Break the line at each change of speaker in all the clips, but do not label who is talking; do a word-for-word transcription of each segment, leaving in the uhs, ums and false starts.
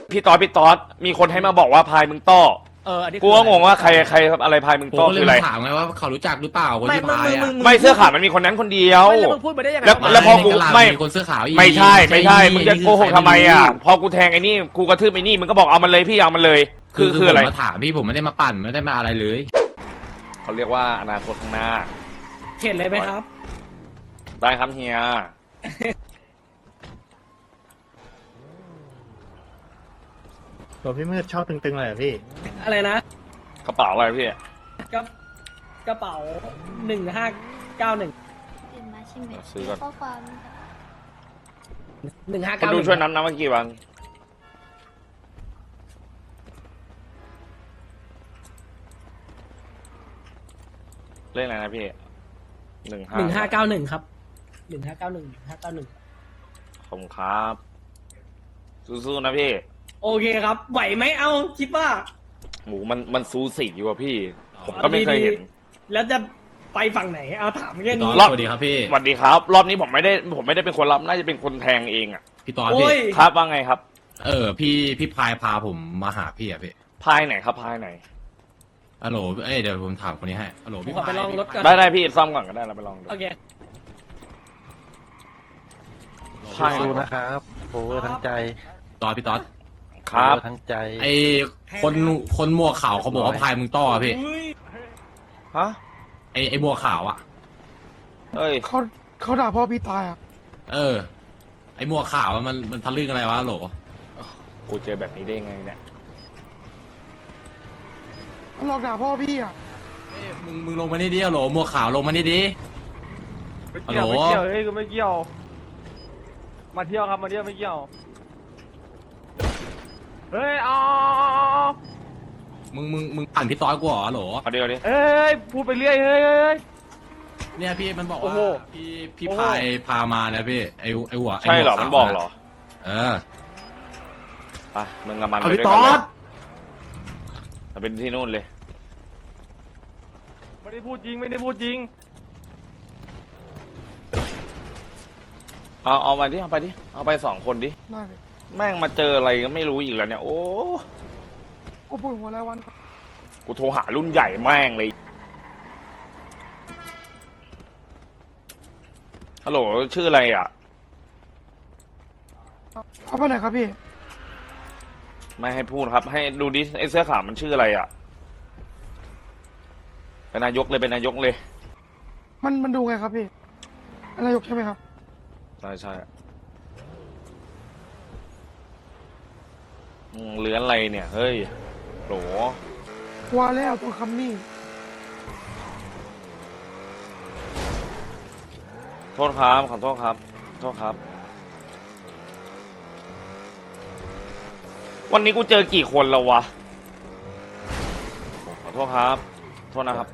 พี่ตอดพี่ตอดมีคนให้มาบอกว่าพายมึงต้อ
เอออันนี้
กูก็งงว่าใครใครอะไรพายมึง
ผม
ต้อ
ก็เล
คื
ย
ออะไร
มาถามไงว่าเขารู้จักหรือเปล่าคน
ไม่
ที่
มึง
พาย
มึง
อ่ะ
มึง
ไม่เสื้อขาวมันมีคนนั้นคนเดียว
ไม่แล้วมึงพูดไปได้ยังไง
แล้ว
ะ
แล้วพอกู
ในตลาด
ไม่
มีคนเสื้อขาวอีก
ไม่ใช่ไม่ใช่
นี่
มึงจะโกหกทำไมอ่ะพอกูแทงไอ้นี่กูกระทืบไอ้นี่มึงก็บอกเอามันเลยพี่เอามันเลย
คื
คือ อ
คื
คือ อ
อะ
อะไร ไร
มาถามพี่ผมไม่ได้มาปั่นไม่ได้มาอะไรเลย
เขาเรียกว่าอนาคตข้างหน้า
เห็นเลยไหมครับ
ได้ครับเฮีย
ตัวพี่มืดชอบตึงๆเลยเหรอพี่
อะไรนะ
กระเป๋าอะไรพี่
กระกระเป๋าหนึ่งห้าเก้าหนึ่ง
ตื่นมาใช่ไหม
ซื้อก่อน
ข้อความ
หนึ่งห้า
คน
เก้า
ดูช่วยนับนะเมื่อกี้วันเล่นอะไรนะพี่หนึ่งห้า
หนึ่งห้าเก้าหนึ่งครับหนึ่งห้าเก้าหนึ่งห้าเก้าหนึ่ง
ขอบคุณครับสู้ๆนะพี่
โอเคครับ ไหวไหมเอาคิดว่า
หมูมันมันซูสีอยู่อะพี่ ผมก็ไม่เคยเห็น
แล้วจะไปฝั่งไหน เอาถามแค่
พี่ตอ
นี้
ด
รอบ
สวัสดีครับพี่
สวัสดีครับ รอบนี้ผมไม่ได้ผมไม่ได้เป็นคนรับน่าจะเป็นคนแทงเองอ่ะ
พี่ตอด
โอ้
พี่
ย
ครับว่าไงครับ
เออพี่พี่พายพาผมมาหาพี่อะพี่
พายไหนครับพายไหน
ฮัลโหลเอ้ยเดี๋ยวผมถามคนนี้ให้ฮัลโหล
ผม
พี่
ขอไป
พาย
ลองรถก่อน
ได้ได้พี่ซ่อมก่อนก็ได้เราไปลองดู
โอเค
พาย
สู้ๆนะครับโอเวอร์ทั้งใจ
ตอดพี่ตอด
ครับ
โอเวอร์ทั้งใจ
ไอคนคนหมวกขาวเขาบอกว่าพายมึงต้ออะพี่
อุ้ย
ฮะ
ไอไอหมวกขาวอะ
เอ้ย
เขาเขาด่าพ่อพี่ตายอ่ะ
เออ ไอหมวกขาวอะมันมันทะลึ่งอะไรวะฮัลโหล
กูเจอแบบนี้ได้ไงเนี่ย
มันหลอกด่าพ่อพี่อ่ะ
เอ้ยมึงมึงลงมานี่ดิฮัลโหลหมวกขาวลงมานี่ดิ
ไม่เกี่ยว
ฮัลโหล
ไม่เกี่ยวเฮ้ยกูไม่เกี่ยว มาเที่ยวครับมาเที่ยวไม่เกี่ยว เฮ้ยเอาเอาเอาเอา
มึงมึงมึงปั่นพี่ตอดกูเหรอฮัลโหล
เอาเดี๋ยวดิ
เฮ้ยพูดไปเรื่อยเฮ้ยเฮ้ยเฮ้ย
เนี่ยพี่มันบอก
โอ้
ว่า
โห
พี่พี่
โอ้โห
พายพามานะพี่ไอไอหัวไ
ใช่เหรอ
วขาว
มันบอกเหรอ
เออ
ไปมึงกับมัน
เอา
ไป
พี่
ด้วย
ต
กั
อน
เลย
ด
เอาเป็นที่นู่นเลย
ไม่ได้พูดจริงไม่ได้พูดจริง
เอาเอามาดิเอาไปดิเอาไปสองคนดิ
ได้เลย
แม่งมาเจออะไรก็ไม่รู้อีกแล้วเนี่ยโอ้
โอ้ปวดหัวแล้ววัน
กูโทรหารุ่นใหญ่แม่งเลยฮัลโหลชื่ออะไรอ่ะ
เอาไปไหนครับพี่
ไม่ให้พูดครับ ให้ดูดิไอ้เสื้อขาวมันชื่ออะไรอ่ะเป็นนายกเลยเป็นนายกเลย
มันมันดูไงครับพี่นายกใช่ไหมครับ
ใช่ใช่อืมเลื้อนอะไรเนี่ยเฮ้ยโหล
ว่าแล้วตัวคำนี้
โทษครับขอโทษครับโทษครับ วันนี้กูเจอกี่คนแล้ววะขอโทษครับโทษนะครับ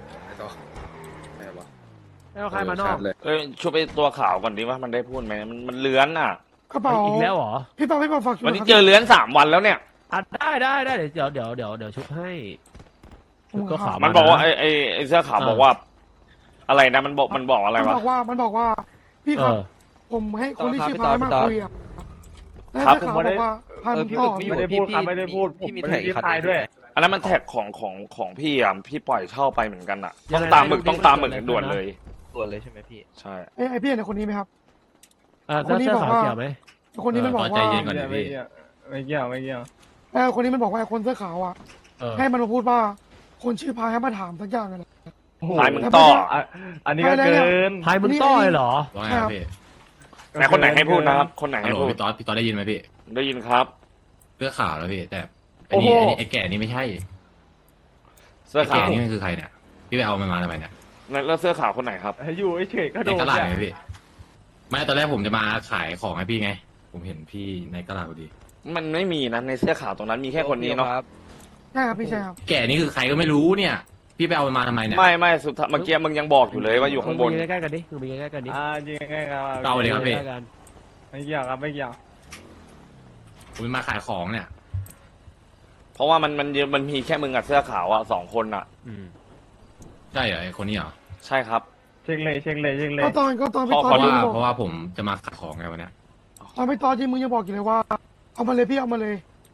เอาใครมานอก
เอ้ยช่วยไปตัวขาวก่อนดิว่ามันได้พูดไหมมันมันเลื้อนอ่ะ
กระเป๋า
อีกแล้วเหรอ
พี่เปาพี่เปาฝากช่วย
วันนี้
ครับ
เจอเลื้อนสามวันแล้วเนี่ย
อ่ะได้ได้ได้เดี๋ยวเดี๋ยวเดี๋ยวเดี๋ยวชุบให้ชุบก็ขาว
มันบอกว่าไอ้ไอ้ไอ้เสื้อขาวบอกว่า อะไรนะมันบอกมันบอกอะไร
มัน
วะ
บอกว่ามันบอกว่า พี่
เอ
ครับ
อ
ผมให้คนที่ชื่อพายมาคุยอ่ะแล้ว
ครับ
เจ้าขาวบอกว่าพายมึงต่อ
ไม่ได้พูดครับไม่ได้พูดผมไม่ได้พูดตายด้วย
อันนั้นมันแท็กของของของพี่อ่ะพี่ปล่อยเช่าไปเหมือนกันอ่ะ
ยั
ต้อง ง
ไง
ตามหมึก
ดูดิ
ต้องตามหมึก
เกิดอะไร
ด่วน
ขึ้นนะ
เลย
ตัวเลยใช่ไหมพี่
ใช่
ไอ้ไอ้พี่เห็นคนนี้ไหมครับ
อ่ะ
ค
แล้
น
ว
นี้
เสื้อ
บอก
ขาว
ว่า
เกี่ยวไหม
คนนี้มันบอก
เออ
ว่า
ใจเย็นก่อน
ไม่เกี่ยวไม่เกี่ยวไม่เกี่ยว
เออคนนี้มันบอกว่าไอ้คนเสื้อขาวอ่ะ
เออ
ให้มันมาพูดว่า คนชื่อพายให้มาถามสักอย่างเลย
พายมึงต่อ
อ่ะอันนี้ก็เกิน
พายมึงต้อยเหรอ
ว่าไงครับพี่
ไหนคนไหนให้พูดนะครับคนไหน
ฮัล
ให้
โหล
พูด
พี่ตอดพี่ตอดได้ยินไหมพี่
ได้ยินครับ
เสื้อขาวแล้วพี่แต่ไอ้นี่ไอ้นี่ไอ้แก่นี่ไม่ใช่
เสื้อ
ไอ้แก่
ขาว
นี่มันคือใครเนี่ยพี่ไปเอามันมาทำไมเนี่ย
แล้วเสื้อขาวคนไหนครับ
อยู่เฉยๆก็โด
ใน
น
ตลาด
เนี่ย
ไงพี่ไม่ตอนแรกผมจะมาขายของให้พี่ไง ผมเห็นพี่ในตลาดพอดี
มันไม่มีนะในเสื้อขาวตรงนั้นมีแค่คนนี้เนาะ
ใช่ครับพี่ใช่ครับ
แก่นี่คือใครก็ไม่รู้เนี่ย พี่ไปเอามันมาทำไมเนี่ย
ไม่ไม่สุดท้ายเมื่อกี้มึงยังบอกอยู่เลยว่าอยู่ข้างบน
มึใกล้ๆกันดิมึงไปใกล้ๆกันดิ
อ่าจริงๆครับ
เอาเลยครับพี่
ใกล้ๆกัน
ไม่เกี่ยวครับไม่เกี่ยว
ผมมาขายของเนี่ย
เพราะว่ามันมันมันมีแค่มึงกับเสื้อขาวอ่ะสองคนอ่ะ
อืม
ใช่เหรอไอ้คนนี้เหรอ
ใช่ครับ
เช็คเลยเช็คเลยเช็คเลย
ก็ตอนก็ตอนพี่
ขอ
ต
เพ
อน
ราะ
ที่
ว่า
มึงบอก
เพราะว่าผมจะมาขายของไงวันเนี้ย
ตอนพี่ตอนที่มึงยังบอกอยู่เลยว่า เอามาเลยพี่เอามาเลย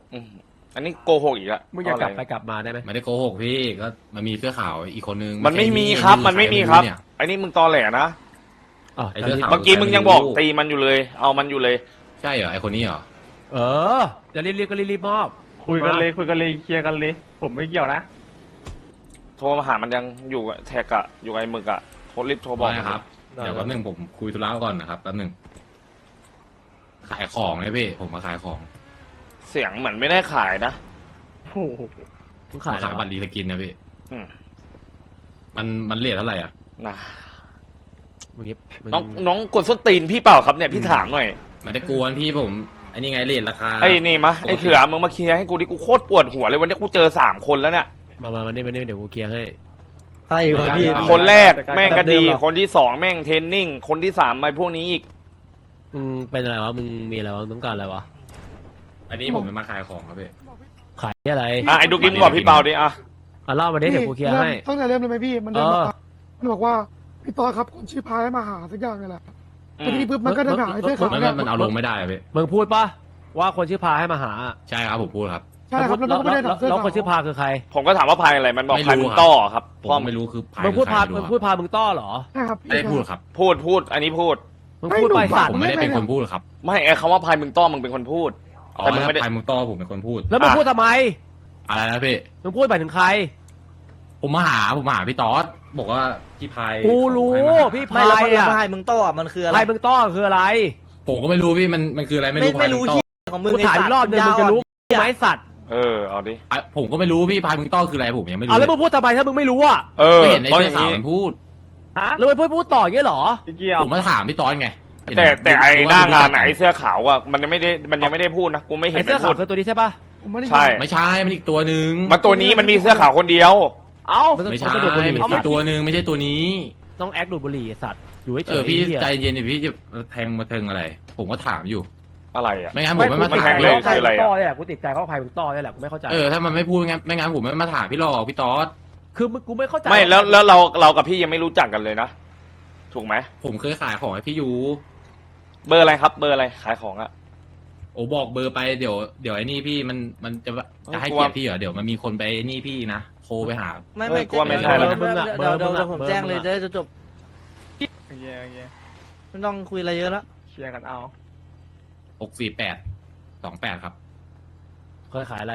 อืมอันนี้โกหกอีกอะ
มึงอยากกลับ
เะ
ไป
ร
กลับมาได้ไหม
ไม่ได้โกหกพี่ก็มันมีเสื้อขาวอีกคนนึง
มันไม่มี
ใช่
ครับ มันไม่มีครับ
เนี่ย
ไอ้นี่มึงตอแหลนะ
อ๋อ
ไอ้เสื้อขาว
เมื่อกี้มึงยังบอกตีมันอยู่เลย เอามันอยู่เลย
ใช่เหรอไอคนนี้เหรอ
เออจะรีบๆก็รีบๆมอบ
คุยกันเลยคุยกันเลยเคลียร์กันเลย ผมไม่เกี่ยวนะ
โทรมาหามันยังอยู่กับแท็กอะอยู่กับไอ้หมึกอะโทรรีบโทรบอก
ได้ครับเดี๋ยวแป๊บนึงผมคุยธุระก่อนนะครับแป๊บนึงขายของไงพี่ผมมาขายของ
เสียงเหมือนไม่ได้ขายนะ
โอ้โห
มึง
ขา
ขาย
ย
อะไร
บั
วะ
ตรรีสกินนะพี่
อืม
มันมันเรทเท่าไหร่อ่ะ
นะ
มึงยิบมึ
น้องน้องกดส้นตีนพี่เปล่าครับเนี่ยพี่ถามหน่อย
ไม่ได้กวนพี่ผมอันนี้ไงเรทราคา
ไอ้นี่มะไอ้เถื่อมึงมาเคลียร์ให้กูดิกูโคตรปวดหัวเลยวันนี้กูเจอสามคนแล้วเนี่ย
มามามานี่มานี่เดี๋ยวกูเคลียร์ให้
ใช่ครับพี่
คนแรกแม่งก็ดี คนที่สองแม่งเทรนนิ่ง คนที่สามไอ้พวกนี้อีก
มึงเป็นอะไรวะมึงมีอะไรวะมึงต้องการอะไรวะ
อันนี้ผมจะมาขายของครับพี่
ขายอะไร
อ่ะไอ้ดูกินบอกพี่เปาดิอ่ะ
อ่ะเล่ามาดิเดี๋ยวกูเคลียร์ให้
ตั้งแต่เริ่มเลยไหมพี่ มันเดิน
เอ
มา
อ
มันบอกว่าพี่ตอครับคนชื่อพายให้มาหาสักอย่างนี่แหละ
อื
แต่
ม
ทีนี้ปุ๊บมันก็เดินหาไอ้เสื้อขาว
มัน
เนี่ย
มันเอาลงไม่ได้อะพี่
มึงพูดปะว่าคนชื่อพาให้มาหา
ใช่ครับผมพูดครับ
ใช่ครับแล้วมันก็ไม่ได้
แล้
ถาว มเสื้อ
แล้ว
ขาว
คนชื่อพาคือใคร
ผมก็ถามว่าพายอะไรมันบอก
ไม่
พาย
รู้
มึง
ครับ
ต้อครับ
ผม
พ่อ
ไม่รู้คือพาย
มึงพูดพา
ใคร
มึง
ไรู้
พูดพามึงต้อเหรอ
ใช่ครับ
ไม่ได้พูดครับ
พูดพูด อันนี้พูด
มึงพูดไปสัต
ผ
ว์
มไม่ได้เป็นคนพูดครับ
ไม่ไอ้คำว่าพายมึงต้อมึงเป็นคนพูด
อ๋อ
แต่มึง
ถ้า
ไม่ได้
พายมุงต้อผมเป็นคนพูด
แล้วมึงพูดทำไม
อะไรนะพี่
มึงพูดไปถึงใคร
ผมมาหาผมมาหาพี่ต๊อดบอกว่าพี่พาย
กูรู้
ให้มาหา
พี่
ไม่
พา
แล้ว
ย
แล้ว
อ่ะ
พายมึงโต้อะมันคืออะไร
พายมึงต้อคืออะไร
ผมก็ไม่รู้พี่มันมันคืออะไรไม่
ไม่
รู้
ไม่
พาย
รู้
มุงต้อ
ที่ของมึง
กูถามอีกรอบหนึงมึงจะรู้ไหมสัตว์
เออเอาดิ
อ่ะผมก็ไม่รู้พี่พายมุงต้อคืออะไรผมยังไม่รู้
เอาแล้วมึ
เลย
งพูดทำไมถ้ามึงไม่รู้อ่ะ
เออ
ก็เห็นใน
ตอน
เสื้อ
นี้
ขาวมันพูด
ฮะ
แล้วมึงพูดพูดต่ออย่างเงี้ยเหรอ
ไม่เกี่ยว
ผมมาถามพี่ต๊อดไง
แต่แต่ไอ้หน้างาน
ไห
อะไอ้เสื้อขาวอะมันยังไม่ได้มันยังไม่ได้พูดนะกูไม่เห็
ไอ้
น
เสื้อ
มัน
ขา
พู
ว
ด
คือตัวนี้ใช่ปะ
ผมไม่ได้ยิน
ใช่
ไม่ใช่มันอีกตัวหนึ่ง
มันตัวนี้มันมีเสื้อขาวคนเดียว
เอ้า
มันต้อง
ไม่
มัน
ใช่
ต้องดูดบุหรี่
มันอีกตัวหนึ่งไม่ใช่ตัวนี้
ต้องแอคดูดบุหรี่ไอ้สัตว์อยู่ให้เฉ
เออย พี่
ไอ้เหี้ย
ใจเย็นดิพี่จะแทงมาเทิงอะไร ผมก็ถามอยู่
อะไรอะ
ไม่งั้นผมไม่มา
ไม่
ถาม
แทง
พี่
เล
หร
ย
อก
พายมึงต้อเนี่ยแหละกูติดใจเขาพายมึงต้อเนี่ยแหละกูไม่เข้าใจ
เออถ้ามันไม่พูดไม่งั้นไม่งั้นผมไม่มาถามพี่หรอกพี่ต๊อด
คือมึงกูไม่เข้าใจ
ไม่แล้วแล้วเราเรากับพี่ยังไม่รู้จักกันเลยนะถูกไหม
ผมเคยขายของให้พี่ยู
เบอร์อะไรครับ เบอร์อะไรขายของอะ
โอ้บอกเบอร์ไปเดี๋ยวเดี๋ยวไอ้นี่พี่มันมันจะจะให้
กลัว
เกียรติพี่เหรอเดี๋ยวมันมีคนไปไอ้นี่พี่นะโทรไปหา
ไม่
เฮ้
ไม่
ยกลัวไม่ใช่
เดี๋ยว
หรอก
เดี๋ยวเดี๋ยวเดี๋ยวผมแจ้งเลยจะได้จบ
โอเคโอเค
ไม่ต้องคุยอะไรเยอะแล้ว
เคลียร์กันเอา
หกสี่แปดสองแปดครับ
เคยขายอะไร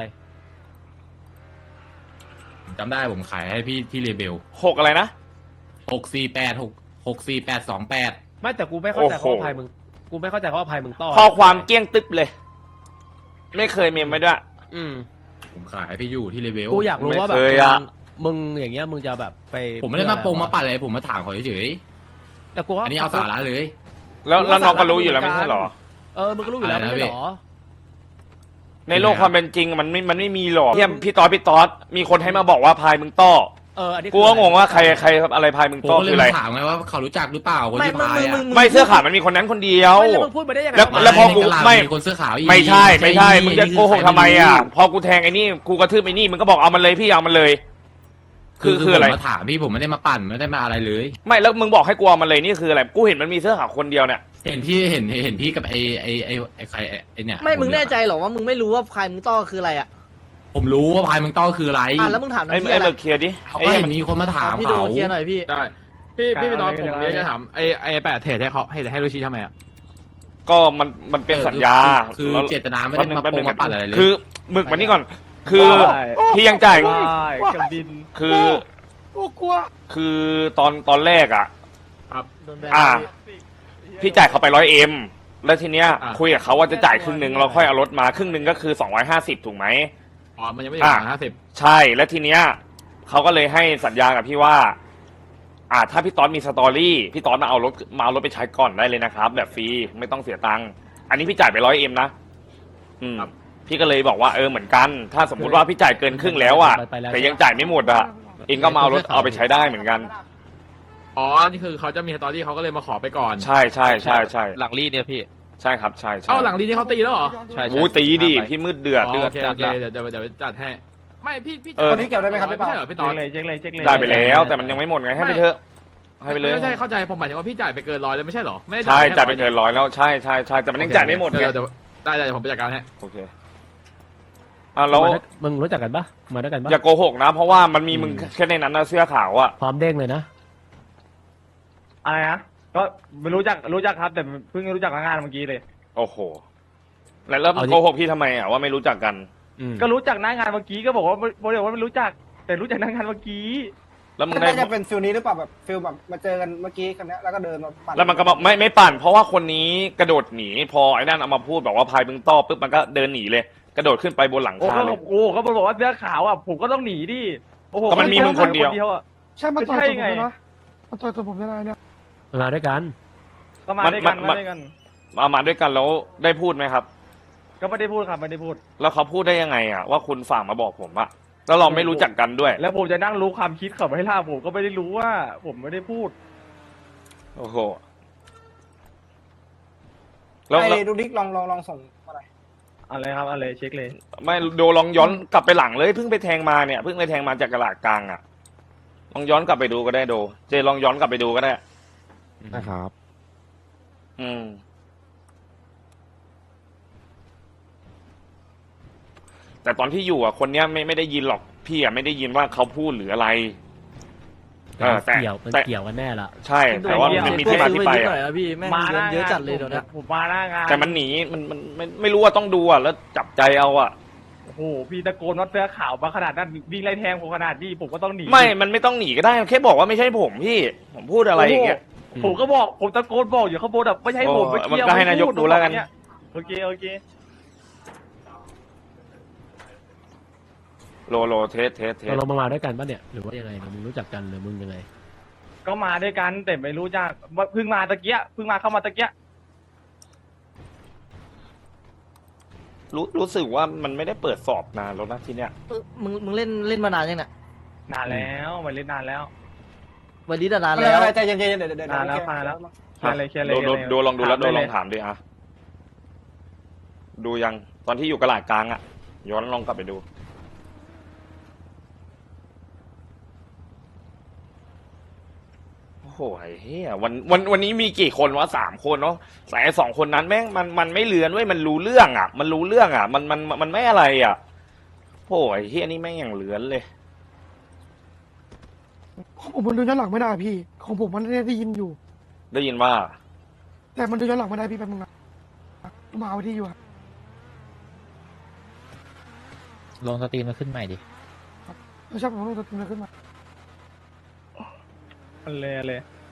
ผมจำได้ผมขายให้พี่ที่เรเบล
หกอะไรนะ
หกสี่แปดหกหกสี่แปดสองแปด
ไม่แต่กูไม่เข้าใจ
โอ้
เขา
โห
ว่าพายมึงกูไม่เข้าใจเขาว่าพายมึงต้อ
ข้อความเกลี้ยงตึ๊บเลย ไม่เคยเมมไว้ด้วย
อืม
ผมขายให้พี่ยูที่เรเบล
กูอยากรู้ว่าแบบ
ไม่เคยอะ
มึงอย่างเงี้ยมึงจะแบบไป
ผมไม่ได้มาโปงมาปัดอะไรผมมาถามเขาเฉย
แต่กู
ๆ
ว่า
อันนี้เอาสาระเลย
แล้วแล้วน้องก็รู้อยู่แล้วไม่ใช่เหรอ
เออมึงก็รู้อยู่แล้ว
อะไรนะ
ไม่ใช่เหรอ
ในโลกความเป็นจริงมันไม่มันไม่มีหรอกเทียมพี่ตอดพี่ตอดมีคนให้มาบอกว่าพายมึงต้อ
เอออันนี้
กูก็งงว่าใครใครอะไรพายมึง
ผม
ต้อ
ก็เล
คื
ย
ออะไร
มาถามไงว่าเขารู้จักหรือเปล่าคน
ไม่
ที่
มึง
พาย
มึง
อ่ะ
มึง
ไม่เสื้อขาวมันมีคนนั้นคนเดียว
ไม่แล้วมึงพูดไปได้ยังไง
แล้ว
วะ
แล้วพอกู
ในตลาด
ไม่
มีคนเสื้อขาวอีก
ไม่ใช่ไม่ใช่
นี่
มึงจะ
นี่
โกหก
คือ
ทำไมอ่ะ
ใคร
พอกูแทงไอ้นี่กูกระทืบไอ้นี่มึงก็บอกเอามันเลยพี่เอามันเลย คือคืออะไร
ผมมาถามพี่ผมไม่ได้มาปั่นไม่ได้มาอะไรเลย
ไม่แล้วมึงบอกให้กูเอามันเลยนี่คืออะไรกูเห็นมันมีเสื้อขาวคนเดียวเนี่ย
เห็นพี่เห็นเห็นพี่กับไอ้ไอ้ไอ้ไอ้ใครไอ้ไอ้เนี่ย
ไม่มึง
คนเดียว
แน่ใจเหรอว่ามึงไม่รู้ว่าพายมึงโต้คืออะไรอ่ะ
ผมรู้ว่าพายมึงต้อคืออะไร
อ่ะแล้วมึงถาม
ไอ้
น้ำ
ไอ้
เชี่ยอะไร
เลิกเคลียร์ดิ
เขา
ไอ้
ก็
เหี้ย
เห็นมีคนมาถาม
พี่ดู
เขา
เคลียร์หน่อยพี่
ได้พี่พี่พี่ตอนผมเรียกจะถามไอ้ไอ้แปดเทรดให้เขาให้ให้ลูชิทำไมอ่ะ
ก็มันมันเป็นสัญญา
คือ
แล้ว
เจตนาไม่ได้มา
แป๊บ
โป
นึ
ง
ง
มาปั่นอะไรเลย
คือหมึกมันนี่ก่อน คือ
ได้
พี่ยังจ่าย
ได้กับดิน
คือ
โอ้กลัว
คือตอนตอนแรกอ่ะ
โดนแบน
อ่า
พี่
พี่จ่ายเขาไปร้อยเอ็มแล้วทีเนี้ย
อ่ะ
คุยกับเขาว่าจะจ่ายครึ่งหนึ่งเราค่อยเอารถมาครึ่งหนึ่งก็คือสองร้อยห้าสิบถูกไหม
อ๋อมันยังไม่ถึงห้าสิบ
ใช่แล้วทีเนี้ยเขาก็เลยให้สัญญากับพี่ว่า อ่า ถ้าพี่ตอนมีสตอรี่พี่ตอนมาเอารถมาเอารถไปใช้ก่อนได้เลยนะครับ แบบฟรีไม่ต้องเสียตังค์อันนี้พี่จ่ายไปร้อยเอ็มนะอืมพี่ก็เลยบอกว่าเออเหมือนกัน ถ้าสมมุติว่าพี่จ่ายเกินครึ่งแล้วอ่ะ
ไปแล้ว
แต่ยังจ่ายไม่หมดอ่ะเองก็มาเอารถเอาไปใช้ได้เหมือนกัน
อ๋อนี่คือเขาจะมีสตอรี่เขาก็เลยมาขอไปก่อน
ใช่ใช่ใช่ใช่
หลังรีดเนี่ยพี่
ใช่ครับใช่ใช่
เอ้าหลังดีนี่เขาตีแล้วเหรอ
ใช่ใช่
โอ้ยตีดิพี่มืดเดือด
อ๋อ
เดือ
โอ
ด
เคโอเคเดี๋ยวเดี๋ยวเดี๋ยวจัดให้ไม่พี่พี่
เออ
คนนี้เกี่ยวได้ไหมครับพี่ปาไม่ใช่เหรอพี่ต
เช็
อ
คน เลยเช็คเลยเช็คเลย
ได้ไปแล้วแต่มันยังไม่หมดไงให้ไปเถอะให้ไปเลย
ไม่ใช่เข้าใจผมหมายถึงว่าพี่จ่ายไปเกินร้อยแล้วไม่ใช่เหรอไม่ได้
ใช่
แค่
จ่ายไปเกินร้อยแล้วใช่ใช่ใช่แต่มันยังจ่ายไม่หมดไง
เดี๋ยวเดี๋ยวได้ได้เดี๋ยวผมไปจัดการให้
โอเคอ่ะแล้ว
มาด้วยมึงรู้จักกันปะมาด้วยกันปะ
อย่าโกหกนะ เพราะว่ามันมีมึง
อืม
แค่ในนั้นนะเสื้อขาวอะ
พร้อมเด้งเลยนะ
อะไรนะก็ไม่รู้จักรู้จักครับ แต่เพิ่งรู้จักงานเมื่อกี้เลย
โอ้โห แล้วแล้ว
เอาดิ
โกหกพี่ทำไมอะว่าไม่รู้จักกัน
อืม
ก็รู้จักหน้างานเมื่อกี้ก็บอกว่าบอกว่าไม่รู้จัก แต่รู้จักหน้างานเมื่อกี้
แล้วมึงได้
น่าจะเป็นฟิลนี้หรือเปล่าแบบฟิลแบบมาเจอกันเมื่อกี้คนนี้ยแล้วก็เดินมาปั่น
แล้วมันก็บอกไม่ไม่ปั่น เพราะว่าคนนี้กระโดดหนี พอไอ้นั่นเอามาพูดบอกว่าพายบึงต้อปุ๊บมันก็เดินหนีเลย กระโดดขึ้นไปบนหลัง
โอ้
คา
ก็
เลย
โอ้ก็บอกว่าเสื้อขาวอ่ะผมก็ต้องหนีดิโอ้โห
ก็มันมีมึงคนเดียว
อะ
ใช่มาต่อย
ไม่
ตัว
ใช่
ผม
ไง
เลยนะมาต่อยตัวผมได้ไงเนี่ย
มาด้วยกัน
ก็มาด้วยกัน
มัน
มาด้วยกัน
มามาด้วยกันแล้วได้พูดไหมครับ
ก็ไม่ได้พูดครับไม่ได้พูด
แล้วเขาพูดได้ยังไงอะว่าคุณฝากมาบอกผมอะแล้วเราไม่รู้จักกันด้วย
แล้วผมจะนั่งรู้ความคิดเขาไม่ล่าผมก็ไม่ได้รู้ว่า ผมไม่ได้พูด
โอ้โห แล้ว
ไอ้
แล้ว
ดูดิกลองลองลองส่งมาหน่อย
อะไรครับอะไรเช็คเลย
ไม่โดลองย้อนกลับไปหลังเลยเพิ่งไปแทงมาเนี่ยเพิ่งไปแทงมาจากกระลาดกลางอะลองย้อนกลับไปดูก็ได้โด เจลองย้อนกลับไปดูก็ได้
นะครับ
อืม แต่ตอนที่อยู่อ่ะคนเนี้ยไม่ไม่ได้ยินหรอกพี่อ่ะไม่ได้ยินว่าเขาพูดหรืออะไรเออแต่
เกี่ยวมัน
แต่
เกี่ยวกันแน่ละ
ใช่ แต่ว่ามันมีที่มาที่ไป
หน่อย
อ่ะ
นะพี่แม่ง
มาห
เย
น้า
อะเยอะ
งาน
จัดเลยเดี๋ยวนี้
ผมผมมาหน้างาน
แต่มันหนีมันมันไม่ไม่รู้ว่าต้องดูอ่ะแล้วจับใจเอาอ่ะ
โอ้โหพี่ตะโกนว่าเสื้อขาวมาขนาดนั้นวิ่งไล่แทงผมขนาดนี้ผมก็ต้องหนี
ไม่มันไม่ต้องหนีก็ได้แค่บอกว่าไม่ใช่ผมพี่ผมพูดอะไรอย่างเงี้ย
โอ้โหผมก็บอกผมตะโกนบอกอยู่ข้างบนแบบไม่ใช่ผม
โอ้
ไม่เกี่ยว
มันก็ให้นายก
ไม่พู
ดูแล้วกัน
ผมบอกเยโอเคโอเค
โลโลเทสเทสเทส
เรามามาด้วยกันปะเนี่ย หรือว่ายังไงมึงรู้จักกันหรือมึงยังไง
ก็มาด้วยกันแต่ไม่รู้จักว่าเพิ่งมาตะเกียเพิ่งมาเข้ามาตะเกีย
รู้รู้สึกว่ามันไม่ได้เปิดสอบนานแล้วนะที่เนี้ย
เออมึงมึงเล่นเล่นมานานยังเนี่ย
นานแล้วมาเล่นนานแล้ว
วันนี้นาน
ไม่
แล้ว
เป็นไรใจเย็นๆเดี๋ยวเดี๋ยวเดี๋ยว
อ่าแล้ว
โอเค
มาแล้ว เคลียร์เลยเคลียร์เลย
โดโด
เคลียร์เลย
โดลองดูแล้ว
ถาม
โด
ได้
ล
เล
อย งถามดิอ่ะดูยังตอนที่อยู่กระลาดกลางอ่ะ ย้อนลองกลับไปดู โอ้โหไอ้เฮียวันวันวันนี้มีกี่คนวะสามคนเนาะแต่ไอ้สองคนนั้นแม่งมันมันไม่เลือนเว้ยมันรู้เรื่องอ่ะ มันรู้เรื่องอ่ะ มันมันมันไม่อะไรอ่ะโอ้โหไอ้เฮียนี่แม่งอย่างเลือนเลย
ของผมมันดูย้อนหลังไม่ได้พี่ ของผมมันได้ยินอยู่
ได้ยินว่า
แต่มันดูย้อนหลังไม่ได้พี่แป๊บนึงนะมาเอาที่อยู่อะ
ลงสตรีมมาขึ้นใหม่ดิ
ไม่ใช่ผมต้องตัวตึงขึ้นมา
อันเลยอันเลย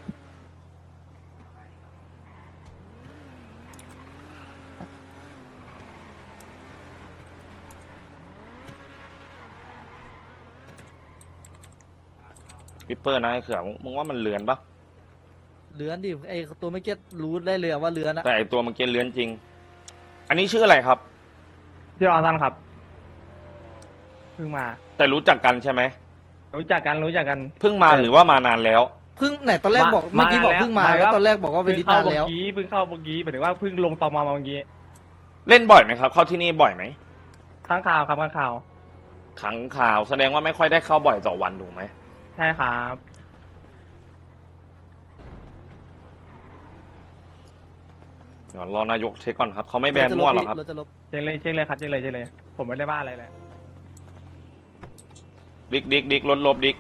ปิปเปอร์นะไอ้เขือมึงมึงว่ามันเลือนปะ
เลื้อนดิไอตัวไม่เก็ตรู้ได้เลยอะว่าเลื้อนอะ
แต่ไอ้ตัวเมื่อกี้เลือนจริง อันนี้ชื่ออะไรครับ
พี่รอซันครับเพิ่งมา
แต่รู้จักกันใช่ไหม
รู้จักกันรู้จักกัน
เพิ่งมาหรือว่ามานานแล้ว
เพิ่งไหนตอนแรกบอก
มา
เมื่อกี้บอก
มาแล้ว
เพิ่งมา
มาแล้
แล้ว วตอนแรกบอกว่าเป็น
เพิ่
นิ
งเข้า
ทาน
เมื่
แล้ว
อกี้เพิ่งเข้าเมื่อกี้หมายถึงว่าเพิ่งลงตอมอมาเมื่อกี้
เล่นบ่อยไหมครับ เข้าที่นี่บ่อยไหม
ข้างข่าวครับข้างข่าว
ครั้งข่าวแสดงว่าไม่ค่อยได้เข้าบ่อยต่อวันถูกไหม
ใช่ครับ
เดี๋ยวรอนายกเช็คก่อนครับเขาไม่แบนมั่วหรอกครับ
เราจะลบ
เช็คเลยเช็คเลยครับเช็คเลยเช็คเลย ผมไม่ได้บ้าอะไรเลย
ดิกดิกดิกลดลบดิก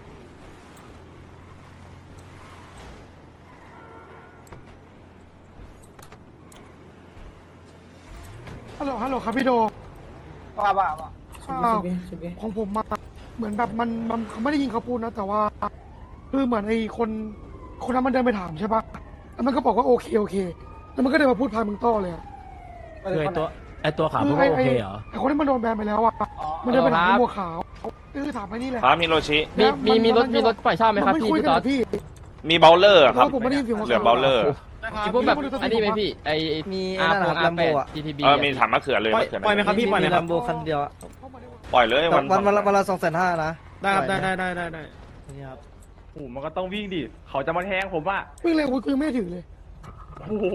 ฮัลโหลฮัลโหลครับพี่โด
ว่าว่าว่า
อ้าวของผมมาเหมือนแบบมันมันเขาไม่ได้ยินเขาพูดนะ แต่ว่าคือเหมือนไอ้คนคนนั้นมันเดินไปถามใช่ปะแล้วมันก็บอกว่าโอเคโอเค แล้วมันก็เดินมาพูดพายมึงต้อเลยอะ
คือไอตัวไอตัวขาว
คื
มึง
ไอ้
ว่าโอ
ไอ้
เคเหรอ
ไอ้คนที่มันโดนแบนไปแล้วอ่ะ
อ๋อ
มันเดินไปถาม
ครั
ไอ้
บ
บัวขาวคือถามไปนี่แหละ
ครับฮิโรชิ
มีมีมีรถ
น
มีรถปล่อยเช่าไหมครับ
น
พี่
คุย
พี่
กัน
ต๊อ
เหร
ด
อพี่
มีเบลเลอร์ครับ
ผมไม่ได้ยินเสียงหัว
เหลือเบลเลอร์
มีพวกแบบอันนี้ไหมพี่ไอ
มีไอ้นั่นนะครับลัมโบอะ
จีทีบี
เออมีถามมะเขือเลยมะเขือ
ปล่อยไหมครับพี่ปล่อยไหม
มี
ครั
ลั
บ
มโบคันเดียวอะ
ปล่อยเลย
แต่
วัน
วันวันละวันละสองแสนห้านะ
ได้ครับได้ได้ได้ได้ได้
นี่ครับ
โอ้โหมันก็ต้องวิ่งดิเขาจะมาแทงผมว่า
วิ่งเร็วกูยังไม่ได้ถือเลย
โอ้โห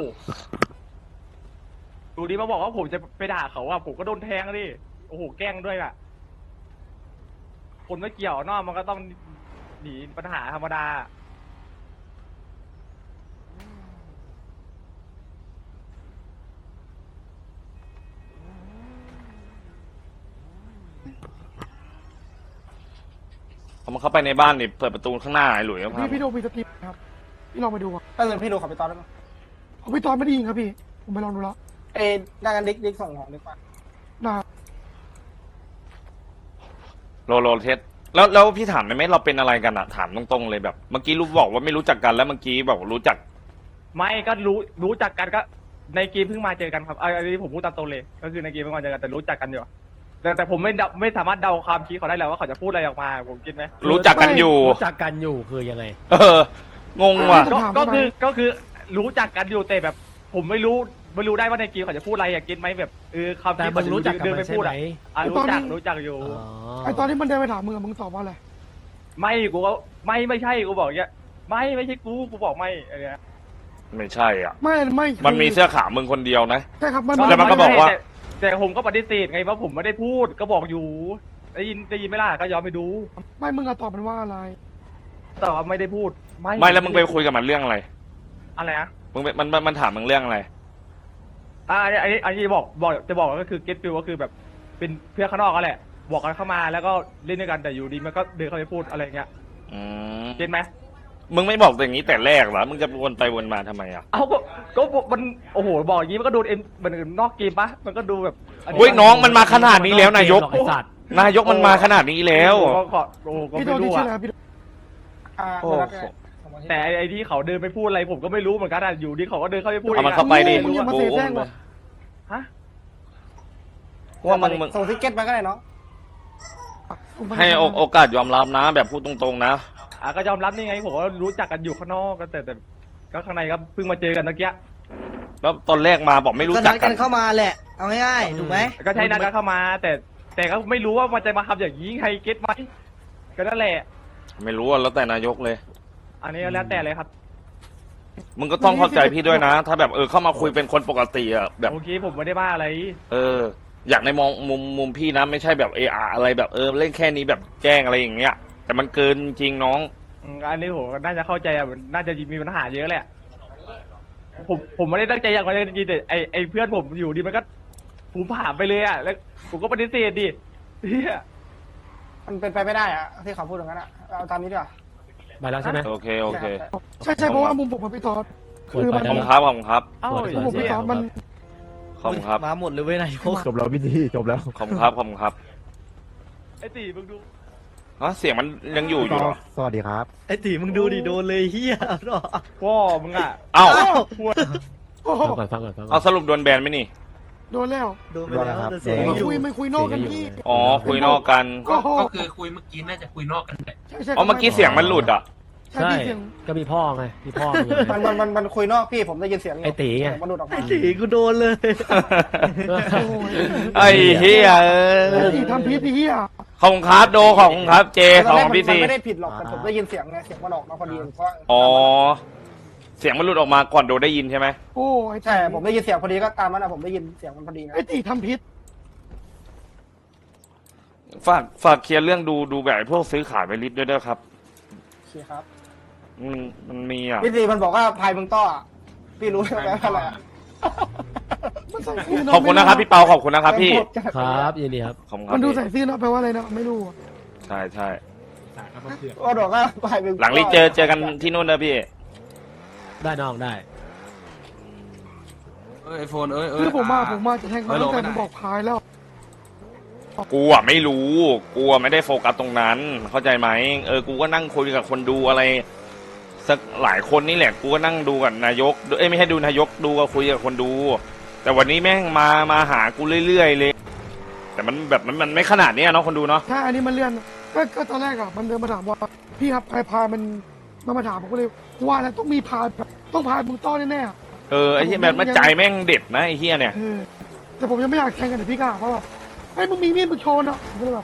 ดูดิมาบอกว่าผมจะไปด่าเขาว่าผมก็โดนแทงดิโอ้โหแกล้งด้วยอ่ะคนไม่เกี่ยวนอกมันก็ต้องหนีปัญหาธรรมดา
เขามาเข้าไปในบ้านนี่เปิดประตูข้างหน้าไอ้หลุยส์ก็พัง
พี่พี่โดมีสติครับพี่ลองไปดูอ่ะ
ถ้าเกิดพี่ดูขอไปตอนได้ไหม
เอาพี่ตอนไม่ได้ยินครับพี่ผมไปลองดูแล้ว
เอ้ยได้กันดิ๊กดิ๊กส่งของดีกว่า
นะ
โลโลเทสแล้วแล้วพี่ถามได้ไหมเราเป็นอะไรกันอะถามตรงๆเลยแบบเมื่อกี้รู้บอกว่าไม่รู้จักกันแล้วเมื่อกี้บอกรู้จัก
ไม่ก็รู้รู้จักกันก็ในเกมเพิ่งมาเจอกันครับเอาอันนี้ผมพูดตามตรงเลย ก็คือในเกมเพิ่งมาเจอกันแต่รู้จักกันอยู่แต่แต่ผมไม่เดาไม่สามารถเดาความคิดเขาได้แล้วว่าเขาจะพูดอะไรออกมาผมคิดไหม
รู้จักกันอยู่
รู้จักกันอยู่คือยังไง
เออ งงว่ะ
ก็ก็คือก็คือรู้จักกันอยู่แต่แบบ ผมไม่รู้ไม่รู้ได้ว่าในเกมเขาจะพูดอะไรอยากกินไหมแบบเออคำ
แต่
ที่
มึงรู้จักกับ
เดิน
มั
ไป
นใช่
พูด
ไหม
อ่ะอ่ะรู้จักรู้จักอยู่
อ๋อ
ไอตอนที่มันเดินไปถามมึงอะมึงตอบว่าอะไร
ไม่กูก็ไม่ไม่ใช่กูบอกอย่างเงี้ยไม่ไม่ใช่กูกูบอกไม่อะไรเงี้ย
ไม่ใช่อ่ะ
ไม่ไม่
มันมีเสื้อขาวมึงคนเดียวนะ
ใช่ครับมัน
แล้วมันก็บอกว่า
แต่แต่ผมก็ปฏิเสธไงว่าผมไม่ได้พูดก็บอกอยู่ได้ยินได้ยินไหมล่ะก็ยอมไปดู
ไม่มึงอะตอบมันว่าอะไร
แต่ว่าไม่ได้พูด
ไม่แล้วมึงไปคุยกับมันเรื่องอะไร
อะไรนะ
มึงไปมันมันมันถามมึงเรื่องอะไร
อ่าอันนี้อันนี้อันนี้บอกบอกจะบอกก็คือเก็ตฟิลก็คือแบบเป็นเพื่อนข้างนอกก็แหละ บอกกันเข้ามาแล้วก็เล่นด้วยกันแต่อยู่ดีมันก็เดินเข้าไปพูดอะไรเงี้ย
อืม
เก็ตไหม
มึงไม่บอกอย่างนี้แต่แรกเหรอมึงจะวนไปวนมาทำไมอ่ะ
เอาก็ก็มันโอ้โหบอกอย่างนี้มันก็โดนเอ็นมันนอกเกมปะมันก็ดูแบบ
เฮ้ยน้องมันมาขนาดนี้แล้วนายก
ไอ้สัตว์
นายกมันมาขนาดนี้แล้ว
ก็ขอโอ้โหก็
พี่โด
ไม่
นที่
รู้
ชื่อ
อะ
อะไรครับพี่โด
อ่า
โอ้
เดี๋ยวรับได้ส่งมาที่
แต่ไอ้ไอ้ที่เขาเดินไปพูดอะไรผมก็ไม่รู้เหมือนกันอะอยู่ดีเขาก็เดินเข้าไปพูด
เอามัน
งะ
เข้าไปดิ
มึงอย่ามาเสแสร้งว่ะ
ฮะ
ว่ามึงมึง
ส่งทิกเก็ตมาก็ได้เนาะ
ให้โอโอกาสยอมรับนะ แบบพูดตรงๆนะ
อ่ะก็ยอมรับนี่ไงผมว่ารู้จักกันอยู่ข้างนอกก็แต่แต่ก็ข้างในก็เพิ่งมาเจอกันเมื่อกี้
แล้วตอนแรกมาบอกไม่รู้
ก็
จั
นั
ก
ด
กั
กัน นเข้ามาแหละ เอาง่ายๆถูกไหม
ก็ใช่นัดกันเข้ามา แต่แต่ก็ไม่รู้ว่ามันจะมาทำอย่างนี้ใครเก็ตไหมก็นั่นแหละ
ไม่รู้อะแล้วแต่นายกเลย
อันนี้แล้วแต่เลยครับ
มึงก็ต้องเข้าใจพี่ด้วยนะ ถ้าแบบเออเข้ามาคุยเป็นคนปกติอะแบบ
โอเคผมไม่ได้ว่าอะไร
เออ อยากในมองมุมมุมพี่นะไม่ใช่แบบเอออะไรแบบเออเล่นแค่นี้แบบแกล้งอะไรอย่างเงี้ย แต่มันเกินจริงน้อง
อืมอันนี้ผมน่าจะเข้าใจอ่ะมันน่าจะมีปัญหาเยอะแหละผมผมไม่ได้ตั้งใจอย่างไรจริงๆแต่ไอไอเพื่อนผมอยู่ดีมันก็ผมผ่านไปเลยอ่ะแล้วผมก็ปฏิเสธดิเฮีย
มันเป็นไปไม่ได้อะที่เขาพูดอย่างนั้นอะเอาตามนี้ดีกว่า
ไปแล้วใช่ไหม
โอเคโอเค
ใช่ใช่เพราะว่ามุมผมกับพี่ตอดคือมัน
ขอบคุณครับขอบคุณครับ
เอ้า
มุมผมพี่ตอดมัน
ขอบคุณครับ
มาหมดเลยเว้ยนายก
จบแล้วพี่ดีจบแล้ว
ขอบคุณครับขอบคุณครับ
ไอตีมึงดู
ฮะเสียงมันยังอยู่อยู่เหรอ
สวัสดีครับ
ไอ้ตีมึงดูดิโดนเลยเฮีย
พ่อมึงอ่ะ
เอ้า
โอ้โห
ฟังก่อนฟังก่อนฟังก่
เอา
อน
สรุปโดนแบนไหมนี่
โดนแล้ว
โดนไปแล้วแต่เสียง
ไม่
อยู่
คุยไม่คุยนอกกันพี่
อ๋อคุยนอกกัน
ก็โห
ก็คือคุยเมื่อกี้น่าจะคุยนอกกันแหละ
ใช่ใช่
อ๋อเมื่อกี้เสียงมันหลุดอ่ะ
ใช่
ใช่
พี่เสียง
ก็มีพ่อไงมีพ่อมึง
มัน
ไง
มันมันมันคุยนอกพี่ผมได้ยินเสียงยู่
ไอ้ตีไง
มันหลุดออกมา
ไอ้ตีกูโดนเลย
โอ้ย
ไอ้เฮียเอ
ไอ้
อ
ตีทำพิษพี่อ่ะ
ขอบคุณครับโดขอบคุณครับเจ
ต
ข
อ
อน บ
แรก
คุณ
มัน
พี่
มัน
ซี
ไม่ได้ผิดหรอกแต่ผมได้ยินเสียงไงเสียงมันออกมาพอดีเพราะว่า
อ๋อเสียงมันหลุดออกมาก่อนโดได้ยินใช่ไหม
โอ้ไอ้ตี
ใช่ผมได้ยินเสียงพอดีก็ตามมันนะผมได้ยินเสียงมันพอดีนะ
ไอ้ตีทำพิษ
ฝากฝากเคลียร์เรื่องดูดูแบบไอ้พวกซื้อขายไปลิสต์ด้วยนะครับ
โอเคครับ
มันมันมีอ่ะ
พี่ซีมันบอกว่าพายมึงต้ออะพี่รู้ใช่ไหมอะไรอะ
มันใส่ซื่อเน
ขอบคุณนะครับพี่เปาขอบคุณนะครับพี่
ครับยินดีครับ
ขอบคุณครั
มั
บ
นดู
พี่
ใส่ซื่อเนอะแปลว่าอะไรนะไม่รู้อะ
ใช่ใช่
ก็บอกว่าพายมึงต้อ
หลังรีเจอเจอกันที่นู่นนะพี่
ได้น้องได้
เอ้ยไอโฟนเอ้ยเอ้ย
คือผมมาผมมาจะแทงเขา
เอ้ย
ตั้งแต่
ลงไปไหน
ผมบอกพายแล้ว
กูอ่ะไม่รู้กูอ่ะไม่ได้โฟกัสตรงนั้น เข้าใจไหมเออกูก็นั่งคุยกับคนดูอะไรสักหลายคนนี่แหละกูก็นั่งดูกับนายกเอ้ยไม่ใช่ดูนายกดูก็คุยกับคนดู แต่วันนี้แม่งมามาหากูเรื่อยๆเลย แต่มันแบบมันมันไม่ขนาดเนี้ยเนาะคนดูเนาะ
ถ้าอันนี้มันเลื่อนก็ก็ตอนแรกอะมันเดินมาถามว่าพี่ครับพายพายมันมันมาถามผมก็เลยว่าแล้วต้องมีพายแบบต้องพายมึงต้อนแน่ๆอะ
เออไอ้เหี้ยแบบมันใจแม่งเด็ดนะไอ้เหี้ยเนี่ย
เออแต่ผมยังไม่อยากแทงกันแต่พี่กล้าเพราะว่าไอ้ยมึงมีมีดมึงโชว์นะผมก็เลยแบบ